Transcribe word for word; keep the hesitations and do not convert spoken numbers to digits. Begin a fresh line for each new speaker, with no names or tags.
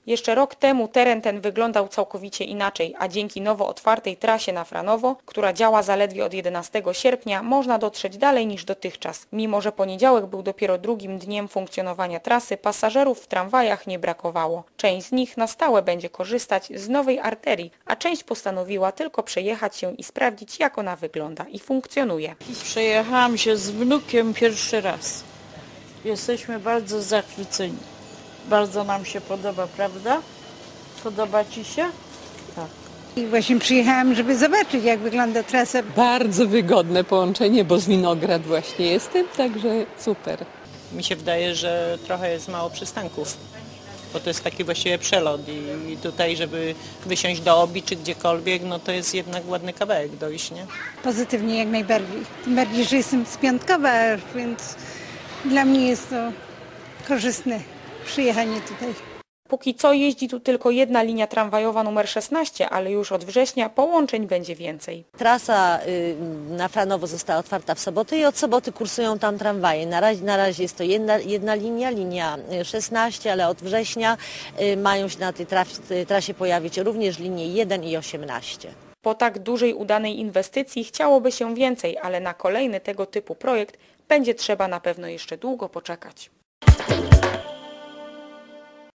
Jeszcze rok temu teren ten wyglądał całkowicie inaczej, a dzięki nowo otwartej trasie na Franowo, która działa zaledwie od jedenastego sierpnia, można dotrzeć dalej niż dotychczas. Mimo że poniedziałek był dopiero drugim dniem funkcjonowania trasy, pasażerów w tramwajach nie brakowało. Część z nich na stałe będzie korzystać z nowej arterii, a część postanowiła tylko przejechać się i sprawdzić, jak ona wygląda i funkcjonuje.
Przejechałam się z wnukiem pierwszy raz. Jesteśmy bardzo zachwyceni. Bardzo nam się podoba, prawda? Podoba Ci się?
Tak. I właśnie przyjechałam, żeby zobaczyć, jak wygląda trasa.
Bardzo wygodne połączenie, bo z Winograd właśnie jestem, także super.
Mi się wydaje, że trochę jest mało przystanków, bo to jest taki właściwie przelot i tutaj, żeby wysiąść do Obi czy gdziekolwiek, no to jest jednak ładny kawałek dojść, nie?
Pozytywnie jak najbardziej. Tym bardziej, że jestem z Piątkowa, więc dla mnie jest to korzystne przyjechanie tutaj.
Póki co jeździ tu tylko jedna linia tramwajowa numer szesnaście, ale już od września połączeń będzie więcej.
Trasa na Franowo została otwarta w sobotę i od soboty kursują tam tramwaje. Na razie, na razie jest to jedna, jedna linia, linia szesnaście, ale od września mają się na tej trasie pojawić również linie jeden i osiemnaście.
Po tak dużej udanej inwestycji chciałoby się więcej, ale na kolejny tego typu projekt będzie trzeba na pewno jeszcze długo poczekać.